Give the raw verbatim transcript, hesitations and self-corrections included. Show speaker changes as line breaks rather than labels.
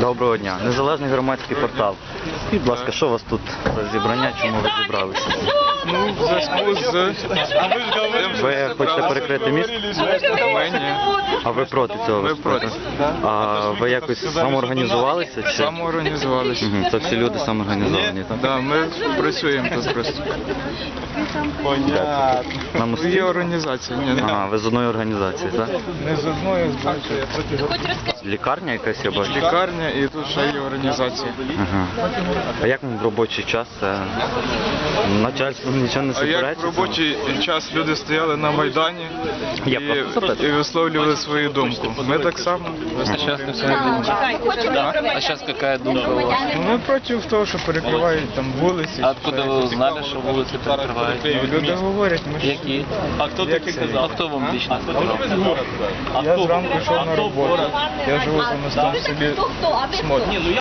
Доброго дня. Незалежний громадський портал. Скажіть, будь ласка, що у вас тут за зібрання, чому ви зібралися?
Ну, в зв'язку з...
Ви хочете перекрити міст?
Ми ні.
А ви проти цього?
Ми проти.
А ви якось самоорганізувалися? Чи?
Самоорганізувалися.
Угу, це всі люди самоорганізовані, так?
Да, ми працюємо тут просто.
На
Є
мості?
організація. Ні, ні.
Ага, ви з одної організації, так?
Не з одної, з багатьох.
Лікарня якась, я бачу?
Лікарня і тут ще є організація.
Ага. А як вам в робочий час? Це... Начальство нічого не
А як
суперечить?
в робочий час люди стояли на Майдані
Я
і,
просто запитую.
і висловлювали свою думку. Ми так само.
А сейчас не все думка. А сейчас какая думка у вас?
Ну, ми проти того, що перекривають там вулиці.
А откуда вы узнали, что улицы перекрывают?
Люди говорять, ми ж...
Які? А хто
Як це?
А хто вам лично сказав?
Я зранку йшов на роботу. Я живу за мостом в селі Смот.